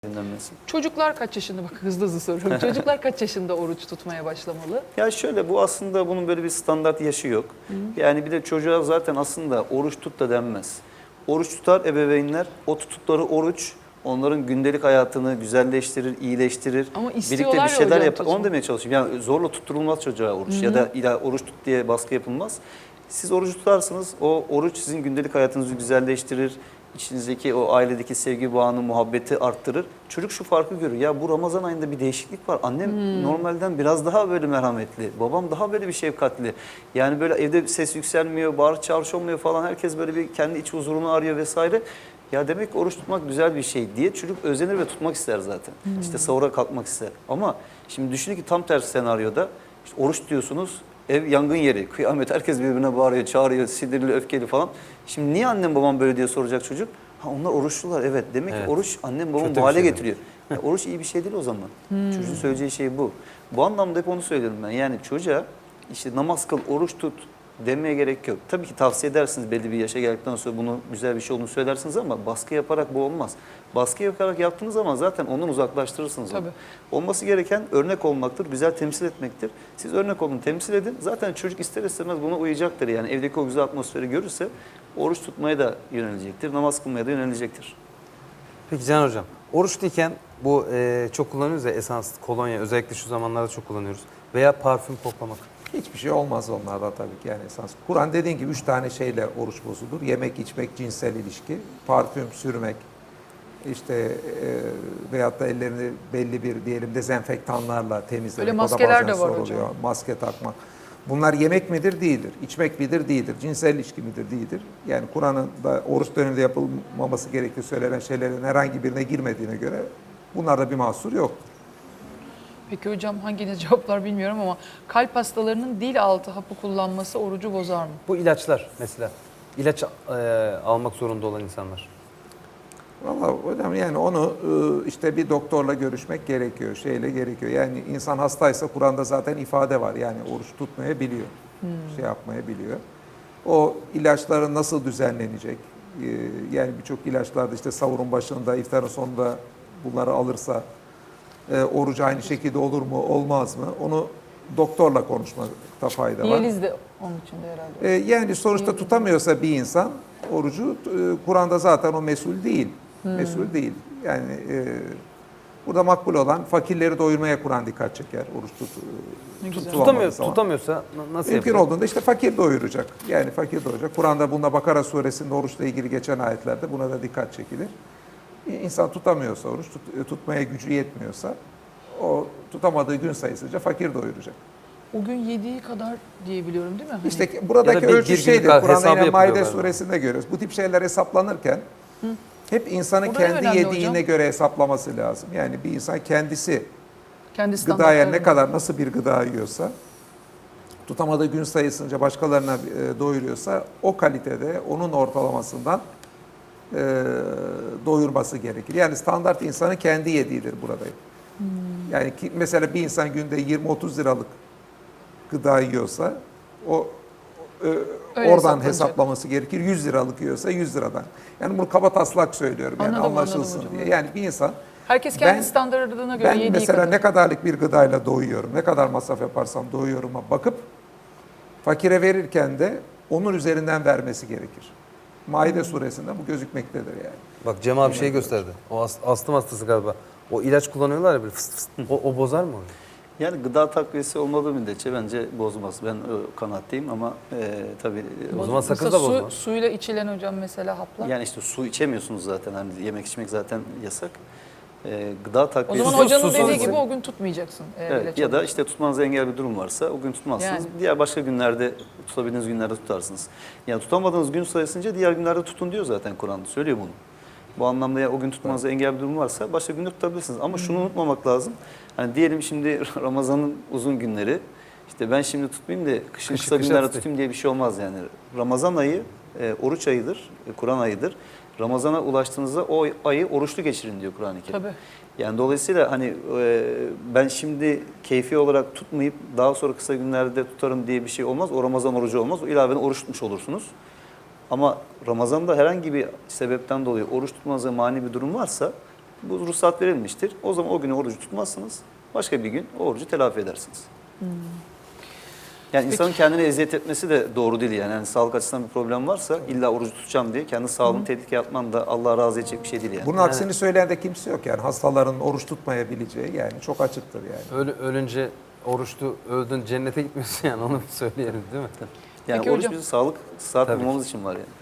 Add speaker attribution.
Speaker 1: dinlenmesi.
Speaker 2: Çocuklar kaç yaşında, bak hızlı hızlı soruyorum. Çocuklar kaç yaşında oruç tutmaya başlamalı?
Speaker 1: Ya şöyle, bu aslında bunun böyle bir standart yaşı yok. Yani bir de çocuğa zaten aslında oruç tut da denmez. Oruç tutar ebeveynler, o tuttukları oruç onların gündelik hayatını güzelleştirir, iyileştirir.
Speaker 2: Ama
Speaker 1: Birlikte
Speaker 2: istiyorlar
Speaker 1: bir
Speaker 2: ya
Speaker 1: şeyler
Speaker 2: hocam
Speaker 1: yapar. Onu
Speaker 2: tutsun.
Speaker 1: demeye çalışıyorum. Yani zorla tutturulmaz çocuğa oruç ya da illa oruç tut diye baskı yapılmaz. Siz oruç tutarsınız, o oruç sizin gündelik hayatınızı güzelleştirir. İçinizdeki o ailedeki sevgi bağını, muhabbeti arttırır. Çocuk şu farkı görüyor. Ya bu Ramazan ayında bir değişiklik var. Annem normalden biraz daha böyle merhametli. Babam daha böyle bir şefkatli. Yani böyle evde ses yükselmiyor, bağırış çağırış olmuyor falan. Herkes böyle bir kendi iç huzurunu arıyor vesaire. Ya demek ki oruç tutmak güzel bir şey diye çocuk özenir ve tutmak ister zaten. İşte sahura kalkmak ister. Ama şimdi düşünün ki tam tersi senaryoda işte oruç diyorsunuz. Ev yangın yeri, kıyamet, herkes birbirine bağırıyor, çağırıyor, sinirli, öfkeli falan. Şimdi niye annem babam böyle diye soracak çocuk. Ha, onlar oruçlular, evet. Demek ki oruç annem babam
Speaker 3: Kötü
Speaker 1: bu
Speaker 3: bir
Speaker 1: hale
Speaker 3: şey
Speaker 1: getiriyor. Ya, oruç iyi bir şey değil o zaman. Çocuğun söyleyeceği şey bu. Bu anlamda hep onu söylüyorum ben. Yani çocuğa işte namaz kıl, oruç tut demeye gerek yok. Tabii ki tavsiye edersiniz, belli bir yaşa geldikten sonra bunu güzel bir şey olduğunu söylersiniz ama baskı yaparak bu olmaz. Baskı yaparak yaptığınız zaman zaten ondan uzaklaştırırsınız onu.
Speaker 2: Tabii.
Speaker 1: Olması gereken örnek olmaktır, güzel temsil etmektir. Siz örnek olun, temsil edin. Zaten çocuk ister istemez buna uyacaktır. Yani evdeki o güzel atmosferi görürse oruç tutmaya da yönelecektir, namaz kılmaya da yönelecektir.
Speaker 3: Peki Can Hocam, oruçluyken bu çok kullanıyoruz ya, esans, kolonya, özellikle şu zamanlarda çok kullanıyoruz. Veya parfüm koklamak.
Speaker 4: Hiçbir şey olmaz onlarda tabii ki, yani esas. Kur'an dediğin gibi 3 tane şeyle oruç bozulur. Yemek, içmek, cinsel ilişki, parfüm sürmek, işte veyahut da ellerini belli bir diyelim dezenfektanlarla temizlemek.
Speaker 2: Öyle
Speaker 4: O da
Speaker 2: maskeler
Speaker 4: bazen
Speaker 2: de var
Speaker 4: soruluyor.
Speaker 2: hocam.
Speaker 4: Maske takmak. Bunlar yemek midir? Değildir. İçmek midir? Değildir. Cinsel ilişki midir? Değildir. Yani Kur'an'ın da oruç döneminde yapılmaması gerektiği söylenen şeylerin herhangi birine girmediğine göre bunlarda bir mahsur yoktur.
Speaker 2: Peki hocam, hanginiz cevaplar bilmiyorum ama kalp hastalarının dil altı hapı kullanması orucu bozar mı?
Speaker 3: Bu ilaçlar mesela. İlaç almak zorunda olan insanlar.
Speaker 4: Vallahi hocam, yani onu işte bir doktorla görüşmek gerekiyor, şeyle gerekiyor. Yani insan hastaysa Kur'an'da zaten ifade var. Yani oruç tutmayabiliyor, şey yapmayabiliyor. O ilaçların nasıl düzenlenecek? Yani birçok ilaçlarda işte sahurun başında, iftarın sonunda bunları alırsa oruç aynı şekilde olur mu, olmaz mı? Onu doktorla konuşmakta fayda var.
Speaker 2: Diyaliz de onun içinde herhalde.
Speaker 4: Yani sonuçta tutamıyorsa bir insan orucu, Kur'an'da zaten o mesul değil. Mesul değil. Yani burada makbul olan fakirleri doyurmaya Kur'an dikkat çeker. Oruç
Speaker 2: Ne güzel.
Speaker 4: tutulamadığı zaman.
Speaker 3: Tutamıyorsa nasıl
Speaker 4: Mümkün
Speaker 3: yapacak?
Speaker 4: olduğunda işte fakir doyuracak. Yani fakir doyuracak. Kur'an'da bunda Bakara suresinde oruçla ilgili geçen ayetlerde buna da dikkat çekilir. İnsan tutamıyorsa oruç, tutmaya gücü yetmiyorsa o tutamadığı gün sayısınca fakir doyuracak.
Speaker 2: O gün yediği kadar diyebiliyorum değil mi? Hani
Speaker 4: İşte buradaki
Speaker 3: Ya da bir
Speaker 4: ölçü
Speaker 3: günlük
Speaker 4: şeydir.
Speaker 3: hesabı
Speaker 4: Kur'an'da yine
Speaker 3: yapılıyor
Speaker 4: Maide
Speaker 3: galiba.
Speaker 4: suresinde görüyoruz. Bu tip şeyler hesaplanırken hep insanın
Speaker 2: O da en
Speaker 4: kendi
Speaker 2: önemli
Speaker 4: yediğine
Speaker 2: hocam.
Speaker 4: göre hesaplaması lazım. Yani bir insan kendisi
Speaker 2: kendi
Speaker 4: gıdaya
Speaker 2: standartlarını.
Speaker 4: ne kadar, nasıl bir gıda yiyorsa, tutamadığı gün sayısınca başkalarına doyuruyorsa o kalitede onun ortalamasından doyurması gerekir. Yani standart insanın kendi yediğidir burada. Yani mesela bir insan günde 20-30 liralık gıda yiyorsa o oradan
Speaker 2: hesaplanacak.
Speaker 4: hesaplaması gerekir. 100 liralık yiyorsa 100 liradan. Yani bunu kabataslak söylüyorum, yani
Speaker 2: Anladım,
Speaker 4: anlaşılsın
Speaker 2: anladım
Speaker 4: diye.
Speaker 2: hocam.
Speaker 4: Yani bir insan,
Speaker 2: Herkes kendi
Speaker 4: Ben-
Speaker 2: standartlarına göre
Speaker 4: ben
Speaker 2: yediği
Speaker 4: mesela
Speaker 2: kadar.
Speaker 4: ne kadarlık bir gıdayla doyuyorum, ne kadar masraf yaparsam doyuyorum'a bakıp fakire verirken de onun üzerinden vermesi gerekir. Maide suresinde bu gözükmektedir yani.
Speaker 3: Bak Cem abi şey gösterdi. O astım hastası galiba. O ilaç kullanıyorlar ya böyle fıst fıst. O bozar mı onu?
Speaker 1: Yani gıda takviyesi olmadığı müddetçe bence bozmaz. Ben o kanaatteyim ama tabii
Speaker 3: O zaman sakız
Speaker 2: Mesela
Speaker 3: da bozmaz.
Speaker 2: suyla içilen hocam mesela haplar.
Speaker 1: yani işte su içemiyorsunuz zaten. Hani yemek içmek zaten yasak. Gıda
Speaker 2: O
Speaker 1: takviyesi...
Speaker 2: zaman
Speaker 3: Susuz-
Speaker 2: hocanın
Speaker 3: susuz-
Speaker 2: dediği gibi o gün tutmayacaksın.
Speaker 1: Evet,
Speaker 2: ilaç
Speaker 1: ya da
Speaker 2: alıyorsan.
Speaker 1: işte tutmanıza engel bir durum varsa o gün tutmazsınız.
Speaker 2: Yani.
Speaker 1: Diğer başka günlerde, tutabildiğiniz günlerde tutarsınız. Yani tutamadığınız gün sayısınca diğer günlerde tutun diyor zaten Kur'an. Söylüyor bunu. Bu anlamda ya o gün tutmanıza engel bir durum varsa başka günde tutabilirsiniz. Ama şunu unutmamak lazım. Hani diyelim şimdi Ramazan'ın uzun günleri. İşte ben şimdi tutmayayım da kışın kısa
Speaker 3: kışa
Speaker 1: günlerde
Speaker 3: tutayım.
Speaker 1: tutayım diye bir şey olmaz yani. Ramazan ayı oruç ayıdır, Kur'an ayıdır. Ramazan'a ulaştığınızda o ayı oruçlu geçirin diyor Kur'an-ı Kerim.
Speaker 2: Tabii.
Speaker 1: Yani dolayısıyla hani ben şimdi keyfi olarak tutmayıp daha sonra kısa günlerde tutarım diye bir şey olmaz. O Ramazan orucu olmaz. O ilaveten oruç tutmuş olursunuz. Ama Ramazan'da herhangi bir sebepten dolayı oruç tutmanıza mani bir durum varsa bu ruhsat verilmiştir. O zaman o günü orucu tutmazsınız. Başka bir gün o orucu telafi edersiniz. Yani insanın kendine eziyet etmesi de doğru değil yani sağlık açısından bir problem varsa illa orucu tutacağım diye kendi sağlığını tehlikeye atman da Allah razı edecek bir şey değil yani.
Speaker 4: Bunun aksini söyleyen de kimse yok yani. Hastaların oruç tutmayabileceği yani çok açıktır yani.
Speaker 3: Ölünce oruçlu öldün cennete gitmiyorsun yani onu söyleyelim değil mi?
Speaker 1: Yani
Speaker 2: Peki
Speaker 1: oruç
Speaker 2: hocam.
Speaker 1: bizim sağlık, sıhhat
Speaker 3: Tabii ki.
Speaker 1: bulmamız için var yani.